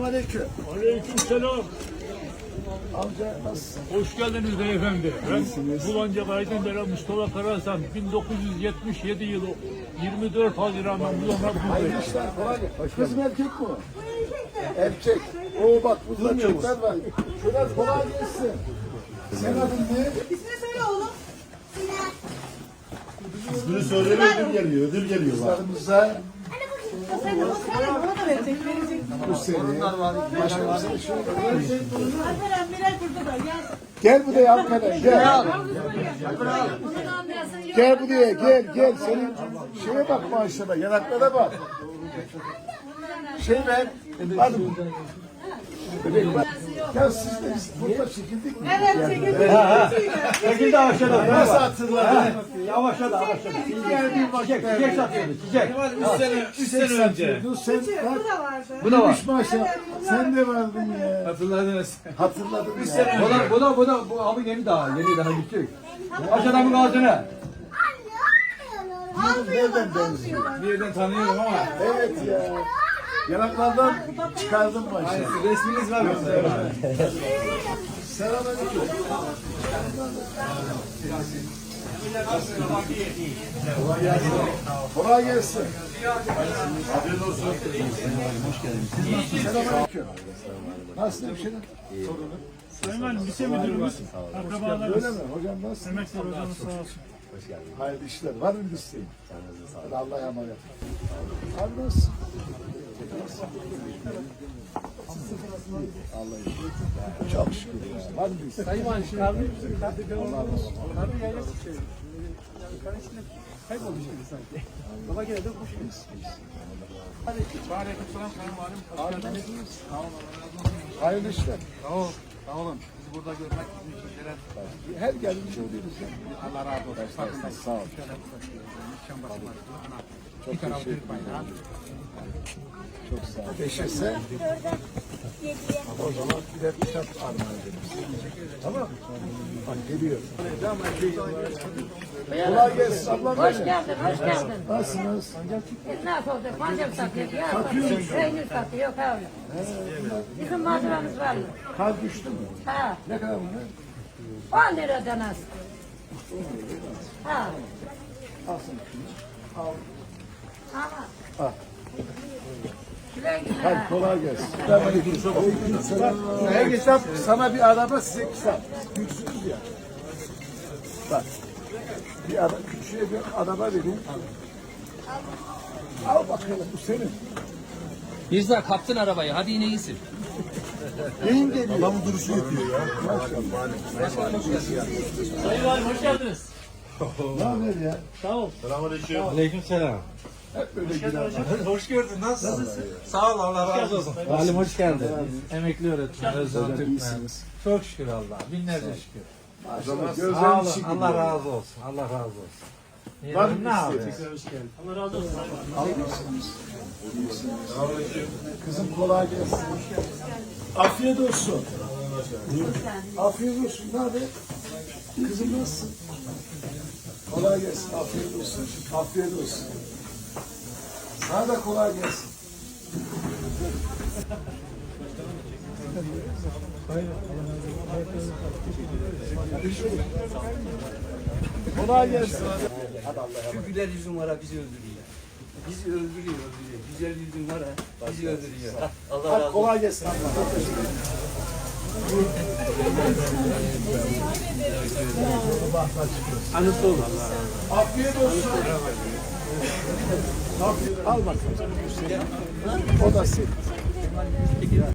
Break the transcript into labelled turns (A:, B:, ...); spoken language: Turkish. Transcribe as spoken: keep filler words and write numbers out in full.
A: Selamünaleyküm.
B: Aleykümselam.
A: Amca nasılsın?
B: Hoş geldiniz beyefendi. Ben Bulancak Aydınder'e Mustafa Karahasan. bin dokuz yüz yetmiş yedi yılı yirmi dört Haziran'dan bu yana
A: Hayırlı
B: buradayım.
A: işler, kolay gelsin. Kız mı erkek mi? Erkek. Oo bak burada çocuklar var. Şöyle kolay gelsin. Sen adın ne?
C: İsmini söyle oğlum.
D: İsmini söyleme ödül geliyor, ödül geliyor bak.
A: Kızlarımıza
C: Sen de söyle, bana da verecek, verecek.
A: bu seni. Başka bir şey şu.
C: Alperen, Miray burada da. Gel.
A: Gel buraya Alperen gel. Gel buraya gel gel. Senin şeye bak maşallah yanaklara bak. Şey ver. Hadi. Bebek bak. Ya siz de biz burada çekildik mi?
C: Evet, çekildi.
E: Çekildi aşağıda.
A: Nasıl hatırladın?
E: Yavaşladı aşağıda. Çiçek, çiçek satıyordu, çiçek.
A: Üç sene, üç sene önce. Dur sen bak.
C: Bu da vardı.
E: Bu da var.
A: Üç maşallah. Sen de vardın ya.
E: Hatırladınız.
A: Hatırladım ya.
E: Bu da, bu da, bu da, bu abi yeni daha, yeni daha küçük. Aşağıdan bu ağzına.
A: Nereden benziyor?
E: Bir yerden tanıyorum ama.
A: Evet ya. Yanaklardan çıkardım maşallah.
E: Resminiz var mı?
A: Selamünaleyküm. Kolay gelsin.
D: Afiyet olsun.
A: Selamünaleyküm. Nasılsın hemşerim?
B: Süleyman Lise Müdürümüz. Akrabalarımız.
A: Öyle mi? Hocam nasılsın?
B: Emekli hocamız sağ olsun.
A: Hayırlı işler. Var mı bir isteğin? Hadi Allah'a emanet. Abi nasılsın? Allah'a emanet. Çok şükür. ya. Var mı bir isteğin?
E: Sayın Valim, kahve
A: Allah razı olsun.
E: Kahve yayla çıkıyor. Yukarı içinde kaybolmuş gibi sanki. Baba gene de kuş gibi. Hadi. Aleykümselam Sayın Valim.
A: Abi nasılsınız? Hayırlı işler.
E: Sağ ol. Sağ olun. Bizi burada görmek bizim için şeref.
A: Her geldiğince oluyoruz ya.
E: Allah razı olsun.
A: Farkındayız. Sağ ol. Çok teşekkür ederim. Çok sağ ol. Beşirse o zaman bir de kitap armağan edelim. Tamam mı? Bak geliyor. Kolay gelsin ablam.
F: Hoş geldin, hoş geldin.
A: Nasılsınız?
F: Biz nasıl olacak? Pancar satıyoruz, yağ
A: Satıyor
F: satıyoruz,
A: musun?
F: peynir satıyor, yok abi. Bizim malzememiz var mı?
A: Kar düştü mü?
F: Ha,
A: Ne kadar bunlar?
F: on liradan az. Ha,
A: Alsın. Al.
F: ama.
A: Al.
F: Güle güle.
A: Hadi kolay gelsin. Aleykümselam. Ne kitap? Sana bir araba, size kitap. Büyüksünüz ya. Bak. Bir araba, küçüğe bir araba vereyim. Al bakalım, bu senin.
G: Mirza kaptın arabayı. Hadi yine iyisin.
A: Neyin geliyor?
D: Adamın duruşu yetiyor ya.
B: Sayın Valim hoş geldiniz.
A: Ne haber ya?
B: Sağ ol.
D: Selamünaleyküm.
E: Aleykümselam.
A: Hep böyle girer.
E: Hoş gördün. Nasılsın? Sağ ol. Allah razı olsun.
H: Halim hoş geldin. Emekli öğretmen Özlem
A: Hocam
H: Türkmen.
A: iyisiniz.
H: Çok şükür Allah. Binlerce şükür.
A: Maşallah
H: Sağ
A: gözlerin
H: olun.
A: içi
H: Allah
A: gidiyor.
H: razı olsun. Allah razı olsun.
A: Var mı
H: ne yapıyorsun?
A: isteğiniz?
B: Allah razı olsun.
A: Almışsınız. Kızım kolay gelsin. Afiyet olsun. Afiyet olsun. Ne haber? Kızım nasılsın? Kolay gelsin. Afiyet olsun. Afiyet olsun. Sana da kolay gelsin. Kolay gelsin.
E: Şu güler yüzün var ha bizi öldürüyor. Bizi öldürüyor, öldürüyor. Güzel yüzün var ha bizi öldürüyor. Allah
A: Hadi kolay gelsin. Çok teşekkür ederim.
E: Anısı olur.
A: Afiyet olsun. Afiyet. Al bakalım. O da senin.